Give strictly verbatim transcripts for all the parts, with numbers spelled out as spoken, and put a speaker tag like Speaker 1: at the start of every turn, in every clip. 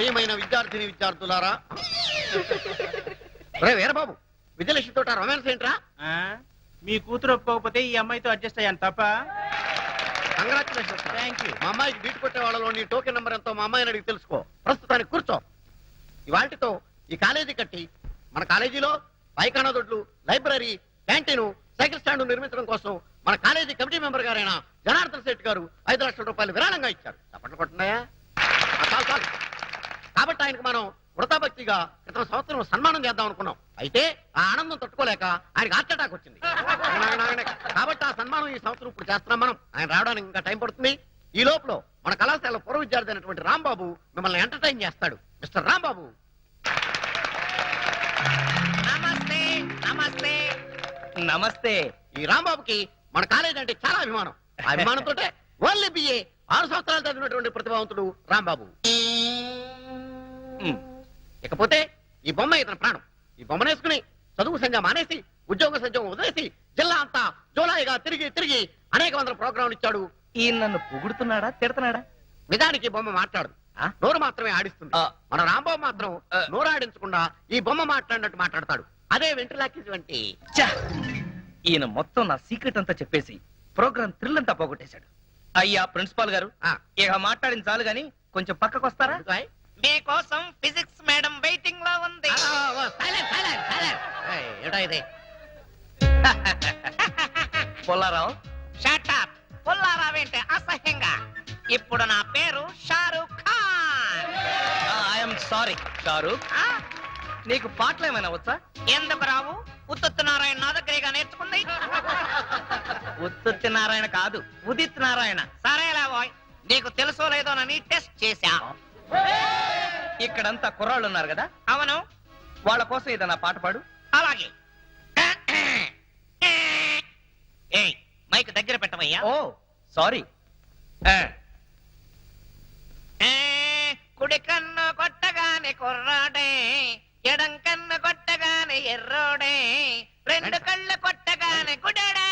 Speaker 1: ప్రియమైన విద్యార్థిని విద్యార్థులారా, రే వీరబాబు, విజయలక్ష్మి తోట రొమాన్స్ ఏంట్రా?
Speaker 2: మీ కూతురు ఒప్పుకోకపోతే ఈ అమ్మాయితో అడ్జస్ట్ అయ్యాను తప్ప.
Speaker 1: కంగ్రాచులేషన్స్.
Speaker 2: Thank you.
Speaker 1: మా అమ్మాయికి బీట్ కొట్టే వాళ్ళలో నీ టోకెన్ నెంబర్ ఎంతో మా అమ్మాయిని అడిగి తెలుసుకో. ప్రస్తుతానికి కూర్చో. ఇవాటితో ఈ కాలేజీ కట్టి మన కాలేజీలో పైకానా దొడ్లు, లైబ్రరీ, క్యాంటీన్, సైకిల్ స్టాండ్ నిర్మించడం కోసం మన కాలేజీ కమిటీ మెంబర్ గారైన జనార్దన్ శెట్టి గారు ఐదు లక్షల రూపాయలు విరాళంగా ఇచ్చారు. తప్పట్లు కొట్టున్నాయా? చాలు చాలు. కాబట్టి ఆయనకు మనం వృతాభక్తిగా క్రితం సంవత్సరం సన్మానం చేద్దాం అనుకున్నాం. అయితే ఆ ఆనందం తట్టుకోలేక ఆయనకు హార్ట్ అటాక్ వచ్చింది. కాబట్టి ఆ సన్మానం ఈ సంవత్సరం ఇప్పుడు చేస్తున్నాం మనం. ఆయన రావడానికి ఇంకా టైం పడుతుంది. ఈ లోపల మన కళాశాల పూర్వ విద్యార్థి అయినటువంటి రాంబాబు మిమ్మల్ని ఎంటర్టైన్ చేస్తాడు. మిస్టర్ రాంబాబు.
Speaker 3: నమస్తే. నమస్తే.
Speaker 2: నమస్తే.
Speaker 1: ఈ రాంబాబుకి మన కాలేజ్ అంటే చాలా అభిమానం. ఆ అభిమానంతో ఓన్లీ బిఏ ఆరు సంవత్సరాలు చదివినటువంటి ప్రతిభావంతుడు రాంబాబు. ఇకపోతే ఈ బొమ్మ ఇతని ప్రాణం. ఈ బొమ్మనేసుకుని చదువు సంధ్య మానేసి ఉద్యోగ సంధ్యం వదిలేసి జిల్లా అంతా జోలాయిగా తిరిగి తిరిగి అనేక వందల ప్రోగ్రాంలు ఇచ్చాడు.
Speaker 2: ఈ నన్ను పొగుడుతున్నాడా తిడతాడా?
Speaker 1: నిజానికి బొమ్మ మాట్లాడు, నోరు మాత్రమే ఆడిస్తుంది. మన రాంబాబు మాత్రం నోరు ఆడించకుండా ఈ బొమ్మ మాట్లాడినట్టు మాట్లాడతాడు. అదే వెంట్రులాకి వంటి.
Speaker 2: ఈయన మొత్తం నా సీక్రెట్ అంతా చెప్పేసి ప్రోగ్రామ్ థ్రిల్ అంతా పోగొట్టేశాడు. అయ్యా ప్రిన్సిపాల్ గారు, ఇక మాట్లాడిన చాలు గాని కొంచెం పక్కకు వస్తారా?
Speaker 3: మీకోసం ఫిజిక్స్ మేడం వెయిటింగ్ లో ఉంది.
Speaker 2: పుల్లారావు.
Speaker 3: Shut up. పుల్లారావేంటే అసహ్యంగా. ఇప్పుడు నా పేరు షారూక్ ఖాన్.
Speaker 2: I'm sorry Shahrukh. నీకు పాటలు ఏమైనా వచ్చా?
Speaker 3: ఎందుకు రావు? ఉత్తుత్ నారాయణ నా దగ్గరగా నేర్చుకుంది.
Speaker 2: ఉత్తుత్ నారాయణ కాదు, ఉదిత్ నారాయణ.
Speaker 3: సరేలా బాయ్, నీకు తెలుసో లేదోనని టెస్ట్ చేశా.
Speaker 2: ఇక్కడంతా కుర్రాళ్ళు ఉన్నారు కదా?
Speaker 3: అవును.
Speaker 2: వాళ్ళ కోసం ఏదైనా పాట పాడు.
Speaker 3: అలాగే. ఏయ్, మైక్ దగ్గర పెట్టవయ్యా.
Speaker 2: ఓ సారీ.
Speaker 3: కుడి కన్ను కొట్టగానే కుర్రాడే, ఎడం కన్ను కొట్టగానే ఎర్రోడే, రెండు కళ్ళు కొట్టగానే గుడడే.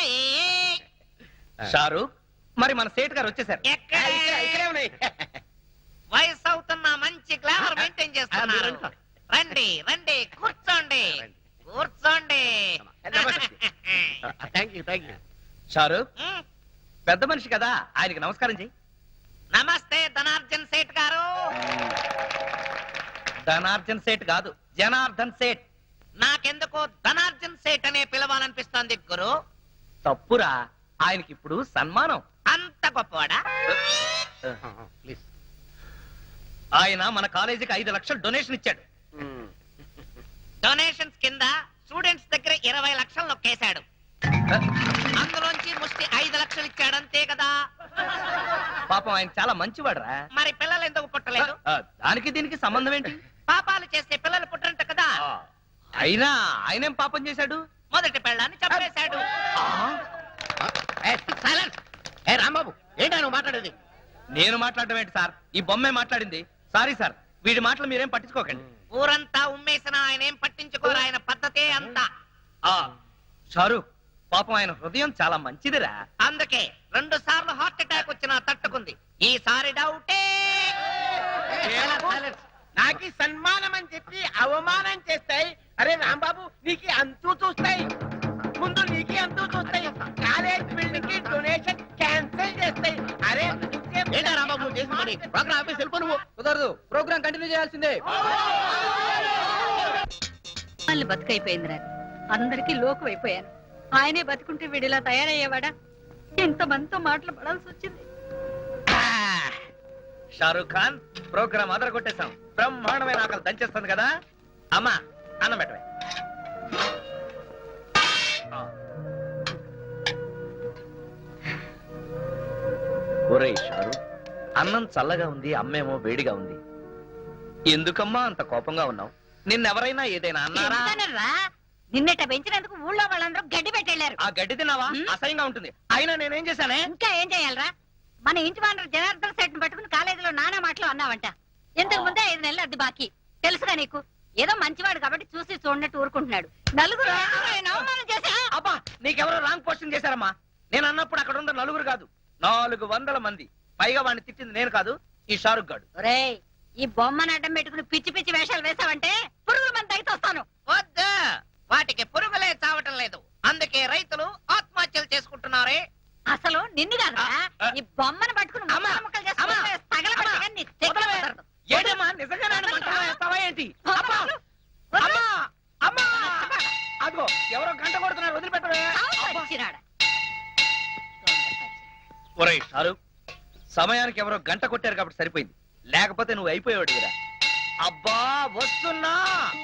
Speaker 2: షారూక్, మరి మన సేట్ గారు వచ్చేసారు.
Speaker 3: వయసు అవుతున్న మంచి గ్లామర్ మెయింటైన్ చేస్తున్నారు. రండి రండి, కూర్చోండి కూర్చోండి.
Speaker 2: షారూక్, పెద్ద మనిషి కదా, ఆయనకి నమస్కారం చెయ్యి.
Speaker 3: నమస్తే ధనార్జన్ సేట్ గారు.
Speaker 2: ధనార్జన్ సేట్ కాదు, జనార్దన్ సేట్.
Speaker 3: నాకెందుకో ధనార్జన్ సేట్ అనే పిలవాలనిపిస్తోంది గురు.
Speaker 2: తప్పురా, ఆయనకి ఇప్పుడు సన్మానం.
Speaker 3: అంత గొప్పవాడా?
Speaker 2: ఆయన మన కాలేజీకి ఐదు లక్షలు డొనేషన్ ఇచ్చాడు.
Speaker 3: డొనేషన్స్ కింద స్టూడెంట్స్ దగ్గర ఇరవై లక్షలు నొక్కేశాడు. అందులోంచి ముష్టి ఐదు లక్షలు ఇచ్చాడు, అంతే కదా?
Speaker 2: పాపం ఆయన చాలా మంచివాడురా.
Speaker 3: మరి పిల్లలు ఎందుకు పుట్టలేదు?
Speaker 2: దానికి దీనికి సంబంధం ఏంటి?
Speaker 3: పాపాలు చేస్తే పిల్లలు పుట్టరంట కదా.
Speaker 2: అయినా ఆయనేం పాపం చేశాడు?
Speaker 3: మొదటి పెళ్ళాన్ని చంపేశాడు.
Speaker 1: రాంబాబు, ఏంటా నువ్వు మాట్లాడేది?
Speaker 2: నేను మాట్లాడటం ఏంటి సార్? ఈ బొమ్మే మాట్లాడింది. సారీ సార్, వీడి మాటలు మీరేం పట్టించుకోకండి.
Speaker 3: ఊరంతా ఉమ్మేసిన ఆయన ఏం పట్టించుకోరు. ఆయన పద్ధతే అంతా.
Speaker 2: షారూక్, పాపం ఆయన హృదయం చాలా మంచిదిరా.
Speaker 3: అందుకే రెండు సార్లు హార్ట్ అటాక్ వచ్చినా తట్టుకుంది. ఈసారి డౌటే.
Speaker 4: నాకి సన్మానం అని చెప్పి అవమానం చేస్తాయి. అరే రాంబాబు, నీకు అంతూ చూస్తాయి. ముందు నీకు అంతూ చూస్తాయి. కాలేజ్ బిల్డింగ్ కి డొనేషన్ క్యాన్సిల్ చేస్తాయి. అరే
Speaker 1: ఏంటా రాంబాబు చేసి పని? ప్రోగ్రామ్ ఆఫీస్ వెళ్ళిపో. నువ్వు
Speaker 2: కుదరదు, ప్రోగ్రామ్ కంటిన్యూ చేయాల్సిందే.
Speaker 5: వాళ్ళు బతుకైపోయిందిరా, అందరికీ లోకు అయిపోయాను. ఆయనే బతుకుంటే వీడిలా తయారయ్యేవాడా? ఎంతమందితో మాటలు పడాల్సి వచ్చింది.
Speaker 2: షారూక్ ఖాన్, ప్రోగ్రామ్ అదర కొట్టేశాం. బ్రహ్మాండమైన ఆకలి దంచేస్తుంది కదా. అమ్మా, అన్నం పెట్టవే. ఒరేయ్ షారూక్, అన్నం చల్లగా ఉంది, అమ్మేమో వేడిగా ఉంది. ఎందుకమ్మా అంత కోపంగా ఉన్నావు? నిన్నెవరైనా ఏదైనా అన్నారా?
Speaker 5: నిన్నట పెంచినందుకు ఊళ్ళో వాళ్ళందరూ గడ్డి పెట్టెళ్లారు.
Speaker 2: ఆ గడ్డి తిన్నావా? అసహ్యంగా ఉంటుంది. అయినా నేనేం చేశానే?
Speaker 5: ఇంకా ఏం చేయాలరా? మన ఇంటి వానరు జనార్దన్ సెట్ పట్టుకుని కాలేజీలో నానా మాటలు అన్నావంట. ఇంతకు ముందే ఐదు నెలలు అది బాకీ. తెలుసుగా నీకు? ఏదో మంచివాడు కాబట్టి చూసి చూడనట్టు ఊరుకుంటున్నాడు. నలుగురు అవమానం చేశా.
Speaker 2: అబ్బా, నీకెవరో రాంగ్ క్వశ్చన్ చేశారమ్మా. నేను అన్నప్పుడు అక్కడ ఉన్న నలుగురు కాదు, నాలుగు వందల మంది. పైగా వాడిని తిట్టింది నేను కాదు, ఈ షారుఖ్ గాడు.
Speaker 5: ఒరేయ్, ఈ బొమ్మను అడ్డం పెట్టుకుని పిచ్చి పిచ్చి వేషాలు వేసావంటే పురుగుల మంది తగ్గితొస్తాను.
Speaker 3: వద్దు, వాటికి పురుగులే చావటం లేదు, అందుకే రైతులు ఆత్మహత్యలు చేసుకుంటున్నారే.
Speaker 5: అసలు నిన్ను కాదా ఈ బొమ్మను పట్టుకుని
Speaker 3: అమ్మా,
Speaker 5: ముక్కలు ముక్కలు చేసుకుని
Speaker 3: అమ్మా,
Speaker 5: తగలబెట్టగా
Speaker 3: అమ్మా,
Speaker 5: నీ తెగ
Speaker 3: వదలవే.
Speaker 5: కుదరదు.
Speaker 3: ఏంటమ్మా నిజంగానే మంటలో వేస్తావా ఏంటి?
Speaker 5: అమ్మా,
Speaker 3: అమ్మా అమ్మా అదిగో ఎవరో గంట కొడుతున్నారు, వదిలిపెట్టవే.
Speaker 5: చావు పచ్చినాడ.
Speaker 2: ఒరేయ్ షారు, సమయానికి ఎవరో గంట కొట్టారు కాబట్టి సరిపోయింది, లేకపోతే నువ్వు అయిపోయావు కదా. అబ్బా వస్తున్నా.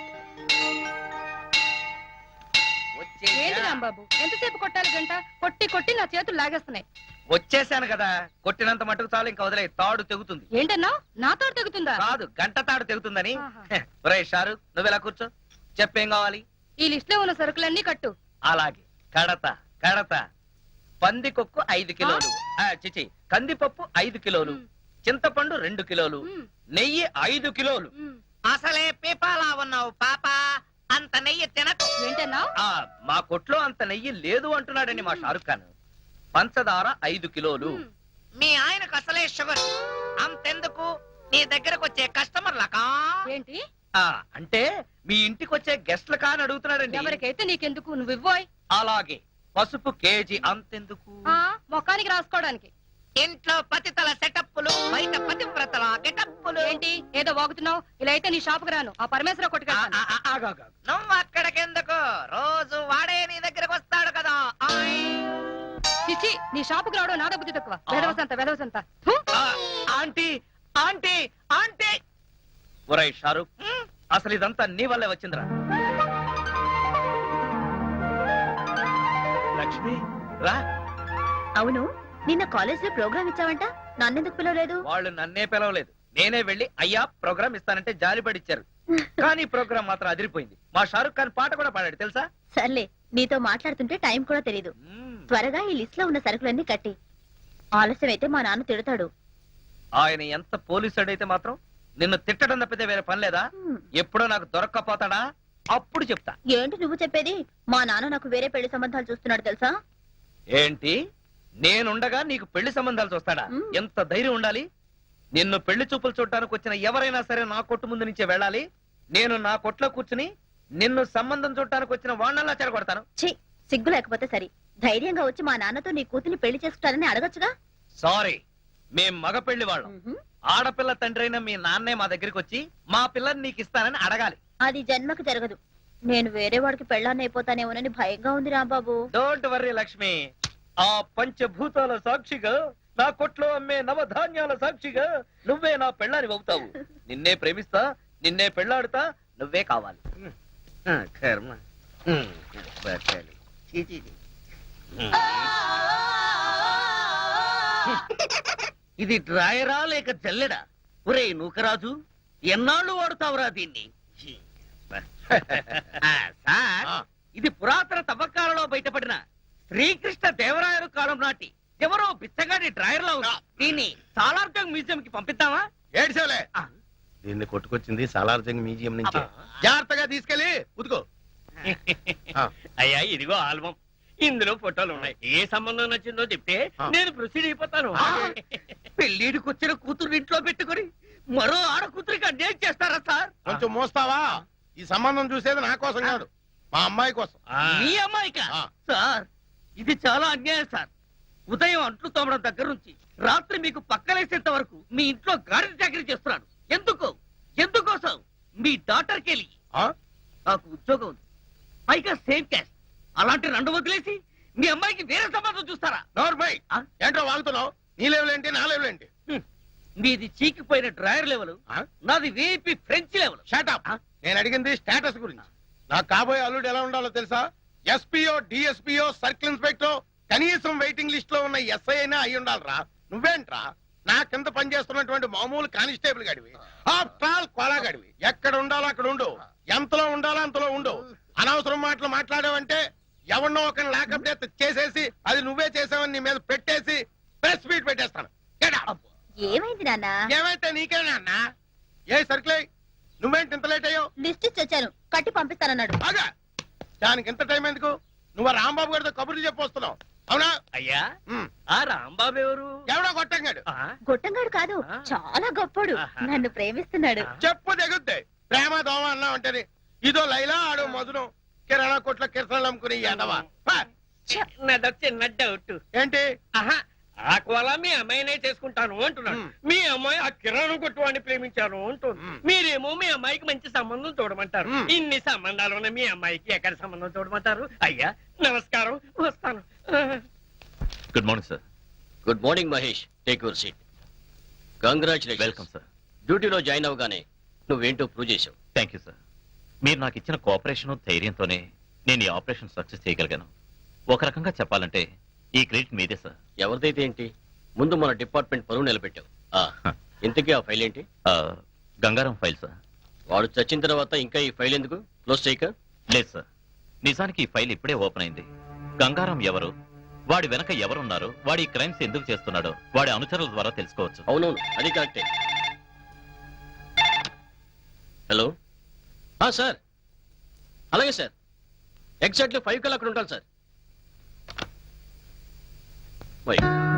Speaker 2: వచ్చేసా.
Speaker 6: ఏంటి రాంబాబు ఎంతసేపు కొట్టాలి గంట? కొట్టి కొట్టి నా చేతులు లాగేస్తున్నాయి.
Speaker 2: వచ్చేసాను కదా, కొట్టినంత మటుకు చాలు, ఇంకా వదిలే, తాడు తెగుతుంది.
Speaker 6: ఏంటన్నావు? నాతో తెగుతుందా?
Speaker 2: కాదు, గంట తాడు తెగుతుందని.
Speaker 6: ఆహా.
Speaker 2: హె, ఒరేయ్ షారు, నువ్వెలా కూర్చో, చెప్పేం కావాలి?
Speaker 6: ఈ లిస్ట్ లో ఉన్న సరుకులన్నీ కట్టు.
Speaker 2: అలాగే కడత కడత. పందికొక్కు ఐదు కిలోలు, ఆ, చిచి కందిపప్పు ఐదు కిలోలు,
Speaker 6: మ్.
Speaker 2: చింతపండు రెండు కిలోలు,
Speaker 6: మ్.
Speaker 2: నెయ్యి ఐదు కిలోలు.
Speaker 6: ఉమ్.
Speaker 3: అసలే పీపాలా ఉన్నావు పాప, అంత నెయ్యి తినకు.
Speaker 6: ఏంటన్నావు?
Speaker 2: ఆ మా కొట్లో అంత నెయ్యి లేదు అంటున్నాడని మా షారుఖ్ ఖాన్. పంచదార ఐదు కిలోలు.
Speaker 6: ఉమ్.
Speaker 3: మీ ఆయనకు అసలే షుగర్, అంతెందుకు నీ దగ్గరకు వచ్చే కస్టమర్లకా.
Speaker 6: ఏంటి?
Speaker 2: ఆ అంటే మీ ఇంటికి వచ్చే గెస్ట్ల కాని అడుగుతున్నాడండి.
Speaker 6: ఎవరికైతే నీకెందుకు, నువ్వు ఇవ్వోయ్.
Speaker 2: అలాగే పసుపు కేజీ అంతెందుకు?
Speaker 6: ఆ, మొఖానికి రాసుకోవడానికి.
Speaker 3: ఇంట్లో పతితల సెటప్పులు, బయట పతివ్రతల గెటప్పులు.
Speaker 6: ఏంటి ఏదో వాగుతున్నావు? ఇలా అయితే నీ షాపుకి రాను, ఆ పరమేశ్వర
Speaker 2: ఆ,
Speaker 6: కొట్టుకెళ్తాను.
Speaker 2: ఆ, ఆ, ఆగు, ఆగు, ఆగు.
Speaker 3: నువ్వు అక్కడికెందుకు, రోజు వాడే నీ దగ్గరకు వస్తాడు కదా. ఆయ్.
Speaker 6: చిచ్చి, నీ షాపుకి రావడం నాద బుద్ధి తక్కువ.
Speaker 2: ఆ.
Speaker 6: వెదవసంత వెదవసంత. హు!
Speaker 2: ఆ, ఆంటీ ఆంటీ ఆంటీ. ఒరేయ్ షారుఖ్,
Speaker 3: హ్మ్?
Speaker 2: అసలు ఇదంతా నీ వల్లే వచ్చిందిరా. లక్ష్మి రా.
Speaker 5: అవును, నిన్న కాలేజ్ లో ప్రోగ్రామ్ ఇచ్చావంట, నన్నెందుకు పిలవలేదు?
Speaker 2: వాళ్ళు నన్నే పిలవలేదు, నేనే వెళ్ళి అయ్యా ప్రోగ్రామ్ ఇస్తానంటే జాలిపడిచ్చారు. కానీ ప్రోగ్రామ్ మాత్రం అదిరిపోయింది. మా షారుఖ్ ఖాన్ పాట కూడా పాడాడు తెలుసా?
Speaker 5: సర్లే, నీతో మాట్లాడుతుంటే టైం కూడా తెలీదు.
Speaker 2: మ్మ్.
Speaker 5: త్వరగా ఈ లిస్ట్ లో ఉన్న సరుకులన్నీ కట్టి, ఆలస్యం అయితే మా నాన్న తిడతాడు.
Speaker 2: ఆయన ఎంత పోలీసుడైతే మాత్రం నిన్ను తిట్టడం తప్పితే వేరే పని లేదా? ఎప్పుడో నాకు దొరక్కపోతాడా అప్పుడు చెప్తా.
Speaker 5: ఏంటి నువ్వు చెప్పేది? మా నాన్న నాకు వేరే పెళ్లి సంబంధాలు చూస్తున్నాడు తెలుసా?
Speaker 2: ఏంటి, నేనుండగా నీకు పెళ్లి సంబంధాలు చూస్తాడా?
Speaker 5: మ్మ్.
Speaker 2: ఎంత ధైర్యం ఉండాలి? నిన్ను పెళ్లి చూపులు చూడటానికి వచ్చిన ఎవరైనా సరే నా కొట్టు ముందు నుంచే వెళ్ళాలి. నేను నా కొట్లో కూర్చుని నిన్ను సంబంధం చూడటానికి వచ్చిన వాళ్ళలా చెరగొడతాను.
Speaker 5: ఛీ, సిగ్గు లేకపోతే సరి. ధైర్యంగా వచ్చి మా నాన్నతో నీ కూతుర్ని పెళ్లి చేసుకుంటానని అడగచ్చుగా.
Speaker 2: సారీ, మేం మగ పెళ్లి వాళ్ళం. ఆడపిల్ల తండ్రి అయిన మీ నాన్నే మా దగ్గరికి వచ్చి మా పిల్లని నీకు ఇస్తానని అడగాలి.
Speaker 5: అది జన్మకు జరగదు. నేను వేరే వాడికి పెళ్ళాన్ని అయిపోతానేమోనని భయంగా ఉంది రాంబాబు.
Speaker 2: డోంట్ వర్రీ లక్ష్మి, ఆ పంచభూతాల సాక్షిగా, నా కొట్లో అమ్మే నవధాన్యాల సాక్షిగా నువ్వే నా పెళ్ళాని అవుతావు. నిన్నే ప్రేమిస్తా, నిన్నే పెళ్ళాడుతా, నువ్వే కావాలి.
Speaker 1: కర్మ. బతకాలి. చీ, చీ, చీ. ఇది డ్రాయరా లేక జల్లెడా? ఒరే నూకరాజు, ఎన్నాళ్ళు వాడుతావురా దీన్ని? ఆ, సార్, ఇది పురాతన తవ్వకాలలో బయటపడిన శ్రీకృష్ణ దేవరాయలు కాలం నాటి ఎవరో బిచ్చగాడి డ్రాయర్ లో ఉంది. దీన్ని సాలార్జంగ్ మ్యూజియం కి పంపిద్దామా?
Speaker 7: ఏడ్చేలే, దీన్ని కొట్టుకొచ్చింది సాలార్జంగ్ మ్యూజియం నుంచి. జాగ్రత్తగా తీసుకెళ్ళి ఉతుకో.
Speaker 4: అయ్యా ఇదిగో ఆల్బం, ఇందులో ఫోటోలు ఉన్నాయి. ఏ సంబంధం నచ్చిందో చెప్తే
Speaker 7: ఆ.
Speaker 4: నేను ప్రొసీడ్ అయిపోతాను.
Speaker 1: ఆ, పెళ్లిడికి వచ్చిన కూతురు ఇంట్లో పెట్టుకొని మరో ఆడ కూతురికి అన్యాయం చేస్తారా సార్?
Speaker 7: కొంచెం మోస్తావా? ఈ సంబంధం చూసేది నా కోసం కాదు, మా అమ్మాయి కోసం.
Speaker 4: ఆ.
Speaker 1: మీ అమ్మాయిక
Speaker 7: ఆ.
Speaker 1: సార్, ఇది చాలా అన్యాయం సార్. ఉదయం అంట్లు తోమడం దగ్గర నుంచి రాత్రి మీకు పక్కలేసేంత వరకు మీ ఇంట్లో గాడి చాకరీ చేస్తున్నాడు. ఎందుకు? ఎందుకోసం? మీ డాక్టర్ కెళ్ళి
Speaker 7: ఆ?
Speaker 1: నాకు ఉద్యోగం ఉంది, పైగా సేమ్ క్యాస్ట్. అలాంటి రెండు వదిలేసి మీ అమ్మాయికి వేరే సంబంధం చూస్తారా?
Speaker 7: నోర్మై,
Speaker 1: ఆ?
Speaker 7: ఏంటో వాగుతున్నావు? నీ లెవెల్ నా లెవెల్ ఏంటి?
Speaker 1: హ్మ్. మీది చీకిపోయిన డ్రాయర్ లెవెల్,
Speaker 7: ఆ?
Speaker 1: నాది వీపీ ఫ్రెంచ్ లెవెల్.
Speaker 7: షాటప్.
Speaker 1: ఆ?
Speaker 7: నేను అడిగింది స్టేటస్ గురించి. నాకు కాబోయే అల్లుడు ఎలా ఉండాలో తెలుసా? ఎస్పీఓ, డిఎస్పీఓ, సర్కిల్ ఇన్స్పెక్టర్, కనీసం వెయిటింగ్ లిస్ట్ లో ఉన్న ఎస్ఐ అయినా అయి ఉండాలిరా. నువ్వేంట్రా నా కింద పనిచేస్తున్నటువంటి మామూలు కానిస్టేబుల్ గడివి, ఆఫ్టర్ ఆల్ కోలా గడివి. ఎక్కడ ఉండాలో అక్కడ ఉండు, ఎంతలో ఉండాలో అంతలో ఉండు. అనవసరం మాటలు మాట్లాడావంటే ఎవరినో ఒక లాకప్ డెత్ చేసేసి అది నువ్వే చేసావని నీ మీద పెట్టేసి ప్రెస్ మీట్ పెట్టేస్తాను. Get out.
Speaker 5: ఏమైంది నాన్న?
Speaker 7: ఏమైతే నీకేనా అన్న? ఏ సర్కిల్, నువ్వేంటి ఇంత లేట్ అయ్యావు?
Speaker 5: లిస్ట్ ఇచ్చి వచ్చాను, కట్టి పంపిస్తానన్నాడు.
Speaker 7: బాగా దానికి ఎంత టైం ఎందుకు? నువ్వు ఆ రాంబాబు గారితో కబుర్లు చెప్పొస్తున్నావు. అవునా
Speaker 2: అయ్యా
Speaker 7: ఉమ్.
Speaker 2: ఆ రాంబాబు ఎవరు
Speaker 7: ఎవడో కొట్టంగాడు
Speaker 2: ఆ,
Speaker 5: గొట్టంగాడు కాదు
Speaker 2: ఆ.
Speaker 5: చాలా గొప్పడు
Speaker 2: ఆహా.
Speaker 5: నన్ను ప్రేమిస్తున్నాడు
Speaker 2: ఆ.
Speaker 7: చెప్పు తెగుద్ది ప్రేమ దోమ అన్నా ఉంటది ఇదో లైలా ఆడో మధురం కిరాణా కొట్ల కిరసనాలు అమ్ముకుని ఎదవా
Speaker 4: చిన్నదో చిన్న డౌట్
Speaker 7: ఏంటి
Speaker 4: ఆహా ఆ కోలా మీ అమ్మాయినే చేసుకుంటాను అంటున్నాడు
Speaker 7: మ్.
Speaker 4: మీ అమ్మాయి ఆ కిరాణం కొట్టువాడిని ప్రేమించాను అంటుంది
Speaker 7: మ్.
Speaker 4: మీరేమో మీ అమ్మాయికి మంచి సంబంధం చూడమంటారు
Speaker 7: మ్.
Speaker 4: ఇన్ని సంబంధాలు ఉన్న మీ అమ్మాయికి ఎక్కడ సంబంధం చూడమంటారు అయ్యా నమస్కారం వస్తాను
Speaker 8: good morning sir.
Speaker 9: Good morning Mahesh, take your seat. Congratulation.
Speaker 8: Welcome sir.
Speaker 9: డ్యూటీలో జాయిన్ అవగానే నువ్వేంటో ప్రూవ్ చేసావు.
Speaker 8: Thank you sir. మీరు నాకు ఇచ్చిన కోఆపరేషన్ ధైర్యంతోనే నేను ఈ ఆపరేషన్ సక్సెస్ చేయగలిగాను. ఒక రకంగా చెప్పాలంటే ఈ క్రెడిట్ మీదే సార్.
Speaker 9: ఎవరిదైతే ఏంటి, ముందు మన డిపార్ట్మెంట్ పరువు నిలబెట్టావు. ఆ, ఇంతకీ ఆ ఫైల్ ఏంటి?
Speaker 8: ఆ, గంగారం ఫైల్ సార్.
Speaker 9: వాడు చచ్చిన తర్వాత ఇంకా ఈ ఫైల్ ఎందుకు క్లోజ్ చేయక?
Speaker 8: లేదు సార్, నిజానికి ఈ ఫైల్ ఇప్పుడే ఓపెన్ అయింది. గంగారం ఎవరు, వాడి వెనక ఎవరున్నారు, వాడి ఈ క్రైమ్స్ ఎందుకు చేస్తున్నాడో వాడి అనుచరుల ద్వారా తెలుసుకోవచ్చు.
Speaker 9: అవునవును, అది కరెక్టే. హలో సార్, అలాగే సార్, ఎగ్జాక్ట్లీ ఫైవ్ కల్లా అక్కడ ఉంటాను సార్. Why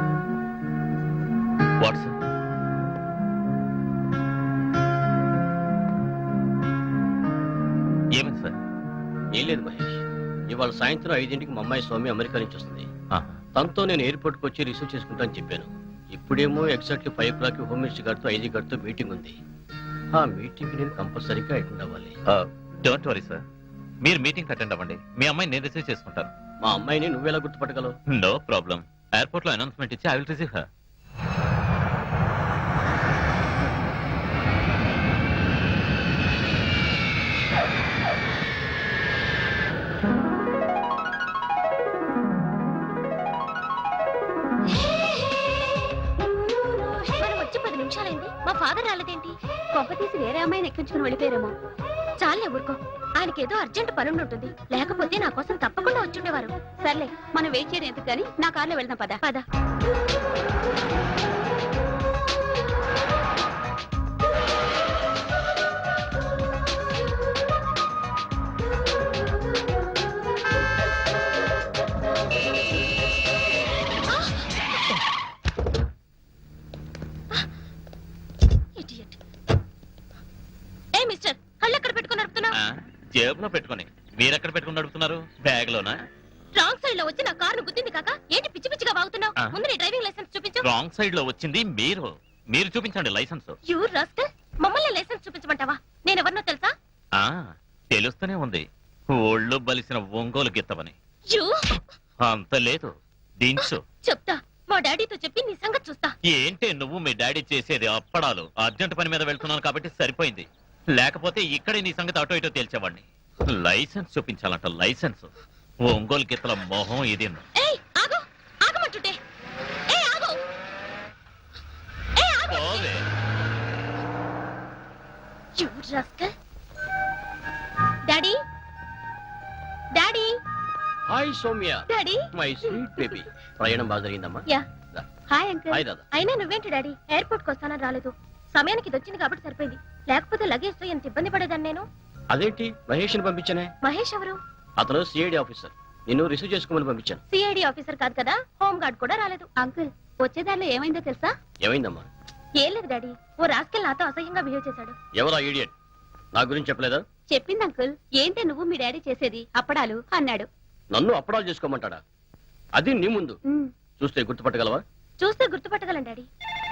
Speaker 8: what sir? ఏమైంది సార్?
Speaker 9: ఏం లేదు మహేష్, ఇవాళ సాయంత్రం ఐదింటికి మా అమ్మాయి స్వామి అమెరికా నుంచి వస్తుంది.
Speaker 8: ఆహా.
Speaker 9: తనతో నేను ఎయిర్పోర్ట్ కి వచ్చి రిసీవ్ చేసుకుంటాను చెప్పాను. ఇప్పుడేమో exactly five o'clock home minister గారితో ఐజీ గారితో మీటింగ్ ఉంది. ఆ మీటింగ్ నేను కంపల్సరీగా అటెండ్ అవ్వాలి.
Speaker 8: డోంట్ వరీ సార్, మీరు మీటింగ్ అటెండ్ అవ్వండి. మీ అమ్మాయిని నేను రిసీవ్ చేసుకుంటాను.
Speaker 9: మా అమ్మాయిని నువ్వెలా గుర్తుపట్టగలవు?
Speaker 8: No problem. ఎయిర్పోర్ట్ లో అనౌన్స్మెంట్ ఇచ్చి ఐ విల్ రిసీవ్ హర్.
Speaker 5: మనం వచ్చి పది నిమిషాలైంది, మా ఫాదర్ రాలేదేంటి? కొంప తీసి వేరే అమ్మాయిని ఎక్కించుకుని వెళ్ళిపోయారేమో. చాలే ఊరుకో, ఆయనకేదో అర్జెంట్ పని ఉంటుంది, లేకపోతే నా కోసం తప్పకుండా వచ్చుండేవారు. సర్లే, మనం వెయిట్ చేయడం ఎందుకు కానీ నా కార్లో వెళ్దాం. పద పద. Idiot. ఏ మిస్టర్, కళ్ళు ఎక్కడ పెట్టుకుని నడుపుతున్నావు?
Speaker 8: ఆ, జేబులో పెట్టుకొని. మీరెక్కడ పెట్టుకుని నడుపుతున్నారు? బ్యాగ్ లోనా?
Speaker 5: రాంగ్ సైడ్ లో వచ్చి నా కారును గుద్దింది కాక ఏంటి పిచ్చి పిచ్చిగా వాగుతున్నావు?
Speaker 8: ఆ.
Speaker 5: ముందు నీ డ్రైవింగ్ లైసెన్స్ చూపించు.
Speaker 8: రాంగ్ సైడ్ లో వచ్చింది మీరు. మీరు చూపించండి లైసెన్స్.
Speaker 5: యూ రాస్కల్, మమ్మల్ని లైసెన్స్ చూపించమంటావా? నేను ఎవరినో తెలుసా?
Speaker 8: ఆ, తెలుస్తూనే ఉంది, ఒళ్ళు బలిసిన ఒంగోలు గిత్తవని.
Speaker 5: యూ
Speaker 8: అంత లేదు, దించు.
Speaker 5: చెప్తా, మా డాడీతో చెప్పి నీ సంగతి చూస్తా.
Speaker 8: ఏంటి నువ్వు మీ డాడీ చేసేది? అప్పడాలు. అర్జెంట్ పని మీద వెళ్తున్నాను కాబట్టి సరిపోయింది, లేకపోతే ఇక్కడే నీ సంగతి అటో ఇటో తేల్చేవాడిని. లైసెన్స్ చూపించాలంట, లైసెన్స్. ఒంగోలు గిత్తల మొహం ఇది.
Speaker 5: ఏయ్ ఆగు, ఆగమంటుంటే. ఏయ్ ఆగు, ఏయ్ ఆగు.
Speaker 8: పోవే.
Speaker 5: You rascal. Daddy, daddy,
Speaker 9: hi Soumya,
Speaker 5: daddy.
Speaker 9: My sweet baby. ప్రయాణం బాగా జరిగిందమ్మా?
Speaker 5: యా.
Speaker 9: రా.
Speaker 5: Hi uncle.
Speaker 9: హాయ్ దాదా.
Speaker 5: అయినా నువ్వేంటి డాడీ ఎయిర్పోర్ట్ కి వస్తానని రాలేదు? సమయానికి ఇది వచ్చింది కాబట్టి సరిపోయింది, లేకపోతే లగేజ్ తో ఎంత ఇబ్బంది పడేదాన్ని నేను.
Speaker 9: అదేంటి మహేష్ ని పంపించానే?
Speaker 5: మహేష్ ఎవరు?
Speaker 9: అతను సిఐడి ఆఫీసర్, నిన్ను రిసీవ్ చేసుకోమని పంపించాను.
Speaker 5: సిఐడి ఆఫీసర్ కాదు కదా, హోమ్ గార్డ్ కూడా రాలేదు. అంకుల్, వచ్చేదారిలో ఏమైందో తెలుసా?
Speaker 9: ఏమైందమ్మా?
Speaker 5: ఏం లేదు డాడీ, ఓ రాస్కెల్ నాతో అసహ్యంగా బిహేవ్ చేశాడు.
Speaker 9: ఎవరా ఈడియట్? నా గురించి చెప్పలేదా?
Speaker 5: చెప్పింది అంకుల్, ఏంటే నువ్వు మీ డాడీ చేసేది అప్పడాలు అన్నాడు.
Speaker 9: నన్ను అప్పడాలు చేసుకోమంటాడా? అది నీ ముందు
Speaker 5: ఉమ్,
Speaker 9: చూస్తే గుర్తుపట్టగలవా?
Speaker 5: చూస్తే గుర్తుపట్టగలను డాడీ.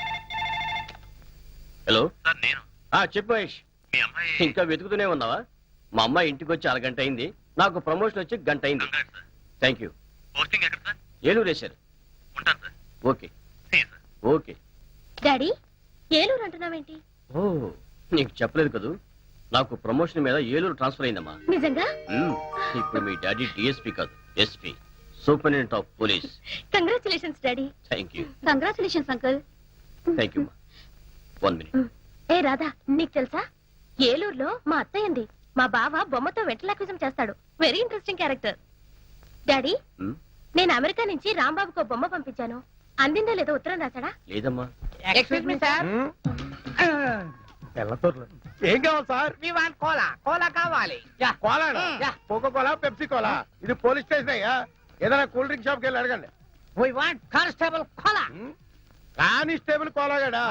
Speaker 9: హలో,
Speaker 8: సార్, నేను
Speaker 9: ఆ చెప్పు మహేష్.
Speaker 8: మీ అమ్మాయి
Speaker 9: ఇంకా వెతుకుతూనే ఉన్నావా? మా అమ్మాయి ఇంటికి వచ్చి అరగంట అయింది, నాకు ప్రమోషన్ వచ్చి గంట అయింది.
Speaker 8: గంగారు సార్.
Speaker 9: Thank you.
Speaker 8: పోస్టింగ్ ఎక్కడ సార్?
Speaker 9: ఏలూరు వేశారు.
Speaker 8: ఉంటాను sir.
Speaker 9: Okay
Speaker 8: See you, sir.
Speaker 9: Okay.
Speaker 5: Daddy, Eluru అంటున్నావేంటి?
Speaker 9: ఓ, నీకు చెప్పలేదు కదూ, నాకు ప్రమోషన్ మీద ఏలూరు ట్రాన్స్ఫర్ అయిందమ్మా.
Speaker 5: నిజంగా?
Speaker 9: మ్మ్. ఇప్పుడు మీ డాడీ డిఎస్పీ కాదు, SP, superintendent of police.
Speaker 5: Congratulations daddy.
Speaker 9: Thank you.
Speaker 5: Congratulations uncle.
Speaker 9: Thank you. One minute.
Speaker 5: ఏ రాధా, నీకు తెలుసా ఏలూరులో మా అత్తయ్యంది, మా బావ బొమ్మతో వెంటలాక్విజం చేస్తాడు. Very interesting character. డాడీ,
Speaker 9: మ్మ్.
Speaker 5: నేను అమెరికా నుంచి రాంబాబుకు బొమ్మ పంపించాను, అందిందో లేదో ఉత్తరం రాశాడా?
Speaker 9: లేదమ్మా.
Speaker 4: ఎక్స్క్యూజ్ మీ సార్,
Speaker 7: తెల్లతోర్లు ఏం కావాలి sir?
Speaker 4: We want cola. Cola కావాలి. Yeah.
Speaker 7: Cola,
Speaker 4: yeah.
Speaker 7: Coca cola, pepsi cola. ఇది పోలీస్ స్టేషన్ అయ్యా, ఏదైనా కూల్ డ్రింక్ షాప్కి వెళ్ళి అడగండి.
Speaker 4: We want constable cola
Speaker 7: constable కోలాగాడా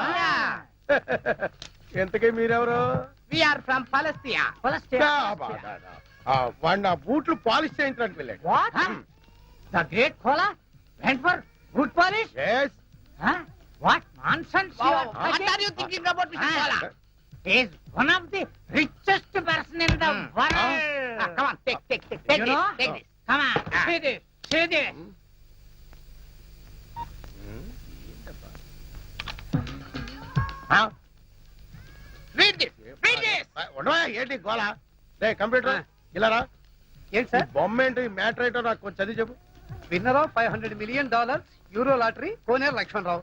Speaker 7: ఎంతకీ మీరెవరు
Speaker 4: వి ఆర్ ఫ్రమ్ పాలస్తీనా
Speaker 7: డా, బా, డా, డా. ఆ, వాడు నా బూట్లు పాలిష్ చేయించడానికి వెళ్ళాడు
Speaker 4: what the great cola went for good polish
Speaker 7: Yes.
Speaker 4: What nonsense you are
Speaker 3: What are you thinking about, Mister Kola?
Speaker 4: is one of the richest person in the world.
Speaker 3: Ah, come on, take, take, take, take
Speaker 4: You
Speaker 3: this,
Speaker 4: know?
Speaker 3: take this.
Speaker 4: Come on,
Speaker 3: Ah.
Speaker 4: see this, see this.
Speaker 7: ఆ?
Speaker 3: Read this, read this.
Speaker 7: ఆ, ఉండవా ఏంటి గోళ రే computer ఇలా రా
Speaker 1: ఏంటి
Speaker 7: ఈ బొమ్మ ఏంటి మ్యాటర్ ఏంటో నాకు కొంచెం చదివి చెప్పు
Speaker 1: winner of five hundred million dollars euro lottery Koneru Lakshmanarao.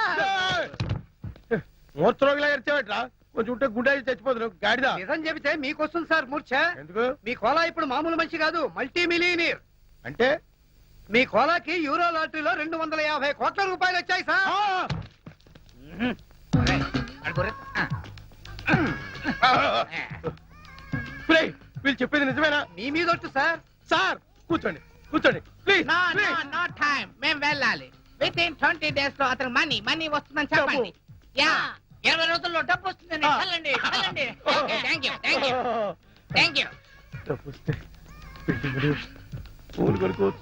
Speaker 7: మూర్చరోగిలా ఎరిచేవట్రా కొంచెం ఉంటే గుండె చచ్చిపోతున్నావు గాడిదా
Speaker 1: నిజం చెబితే మీకు వస్తుంది సార్ మూర్ఛ.
Speaker 7: ఎందుకు
Speaker 1: మీ కోలా ఇప్పుడు మామూలు మనిషి కాదు, మల్టీ మిలియనీర్.
Speaker 7: అంటే
Speaker 1: మీ కోలాకి యూరో లాటరీలో రెండు వందల యాభై కోట్ల రూపాయలు వచ్చాయి సార్.
Speaker 7: ఆ! ప్లీజ్ వీళ్ళు చెప్పేది నిజమేనా
Speaker 1: మీ మీద ఒట్టు సార్.
Speaker 7: సార్ కూర్చోండి కూర్చోండి please
Speaker 3: No, no, no time. మేము వెళ్ళాలి. విత్ ఇన్ ట్వంటీ డేస్ లో అతను మనీ మనీ వస్తుందని చెప్పండి. యా ఇరవై రోజుల్లో డబ్బు వస్తుందని
Speaker 7: Ah.
Speaker 3: చల్లండి చల్లండి. Thank you thank you thank you
Speaker 7: డబ్బొస్తే బిల్డింగులు, పూలు కొనుక్కోవచ్చు.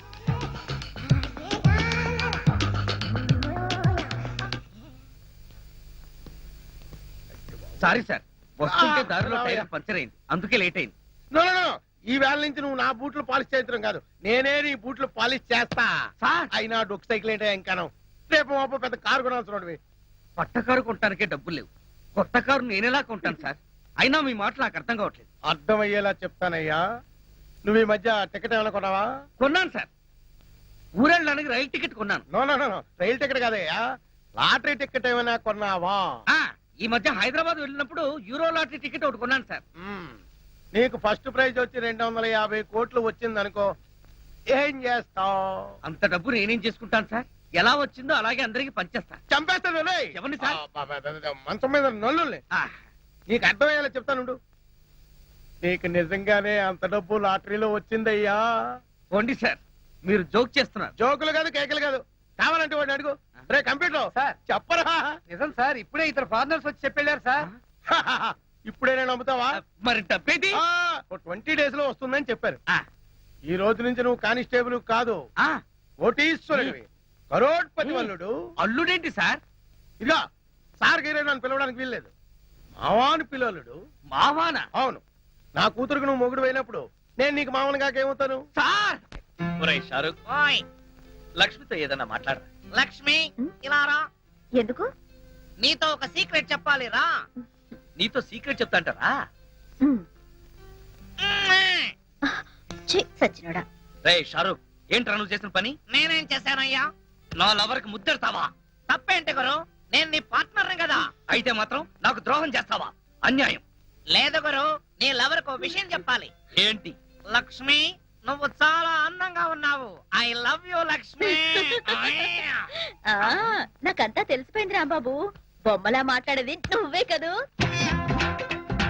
Speaker 2: సారీ సార్ వస్తుంటే
Speaker 7: ఆ,
Speaker 2: దారిలో
Speaker 7: రావయ్యా.
Speaker 2: టైర్ పంచర్ అయింది అందుకే లేట్ అయింది.
Speaker 7: No, no, no. ఈ వేళ నుంచి నువ్వు నా బూట్లు పాలిష్ చేయించడం కాదు, నేనే నీ బూట్లు పాలిష్ చేస్తా.
Speaker 2: సార్
Speaker 7: అయినా డొక్ సైకిల్ ఏంటో ఇంకాను రేపు మాపు పెద్ద కారు కొనాల్సిన
Speaker 2: కొత్త కారు కొనడానికే డబ్బులు లేవు. కొత్త కారు నేనెలా కొంటాను సార్? అయినా మీ మాట నాకు అర్థం కావట్లేదు.
Speaker 7: అర్థమయ్యేలా చెప్తానయ్యా. నువ్వు ఈ మధ్య టికెట్ ఏమైనా కొన్నావా?
Speaker 2: కొన్నాను సార్, ఊరెళ్ళడానికి రైలు టికెట్ కొన్నాను.
Speaker 7: No no no no. రైలు టికెట్ కాదయ్యా, లాటరీ టికెట్ ఏమైనా కొన్నావా?
Speaker 2: ఆ ఈ మధ్య హైదరాబాద్ వెళ్ళినప్పుడు యూరో లాటరీ టికెట్ ఒకటి కొన్నాను సార్.
Speaker 7: మ్మ్. నీకు ఫస్ట్ ప్రైజ్ వచ్చి రెండు వందల యాభై కోట్లు వచ్చింది అనుకో, ఏం చేస్తావు?
Speaker 2: అంత డబ్బు నేనేం చేసుకుంటాను సార్? ఎలా వచ్చిందో అలాగే అందరికి పంచేస్తా.
Speaker 7: చంపేస్తాను రేయ్.
Speaker 2: ఎవరిని సార్?
Speaker 7: ఆ, బాబా, బాబా, బాబా, మంచం మీద నల్లుల్ని.
Speaker 2: ఆ,
Speaker 7: నీకు అర్థమయ్యేలా చెప్తానుండు. నీకు నిజంగానే అంత డబ్బు లాటరీలో వచ్చిందయ్యా.
Speaker 2: పోండి సార్, మీరు జోక్ చేస్తున్నారు.
Speaker 7: జోకులు కాదు, కేకలు కాదు. కావాలంటే వాడిని అడుగు. రే కంప్యూటర్
Speaker 1: సార్.
Speaker 7: చెప్పరా.
Speaker 1: నిజం సార్, ఇప్పుడే ఇద్దరు ఫారినర్స్ వచ్చి చెప్పెళ్ళారు సార్.
Speaker 7: ఇప్పుడే నేను నమ్ముతావా?
Speaker 2: మరి డబ్బేది?
Speaker 7: ట్వంటీ డేస్ లో వస్తుందని చెప్పారు.
Speaker 2: ఆ,
Speaker 7: ఈ రోజు నుంచి నువ్వు కానిస్టేబుల్ కాదు,
Speaker 2: ఆ,
Speaker 7: కోటీశ్వరుడివి, కరోడ్పతి వల్లుడు.
Speaker 2: అల్లుడేంటి సార్?
Speaker 7: ఇదిగా సార్ గీరే నన్ను పిలవడానికి వీల్లేదు, మావాను పిలవలుడు.
Speaker 2: మావానా?
Speaker 7: అవును, నా కూతురుకు నువ్వు మొగుడు అయినప్పుడు నేను నీకు మామూలు కాకేమవుతాను?
Speaker 2: సార్
Speaker 8: ఒరేయ్ షారుఖ్,
Speaker 3: ఓయ్
Speaker 8: లక్ష్మితో ఏదన్నా మాట్లాడరా.
Speaker 3: లక్ష్మి ఇలా రా.
Speaker 5: ఎందుకు?
Speaker 3: నీతో ఒక సీక్రెట్ చెప్పాలి రా.
Speaker 8: నీతో సీక్రెట్ చెప్తాంటారా?
Speaker 5: సచ్చినోడా.
Speaker 2: రేయ్ షారూక్, ఏంట్రా నువ్వు చేసిన పని?
Speaker 3: నేనేం చేశానయ్యా?
Speaker 2: నా లవర్ కి ముద్దెడతావా?
Speaker 3: తప్పేంటి గురు? నేను నీ పార్ట్నర్ కదా.
Speaker 2: అయితే మాత్రం నాకు ద్రోహం చేస్తావా? అన్యాయం.
Speaker 3: లేదు గురు, నీ లవర్ కు విషయం చెప్పాలి.
Speaker 2: ఏంటి?
Speaker 3: లక్ష్మి, నువ్వు చాలా అందంగా ఉన్నావు. I love you Lakshmi.
Speaker 5: నాకంతా తెలిసిపోయింది రాంబాబు. బొమ్మలా మాట్లాడేది నువ్వే కదూ.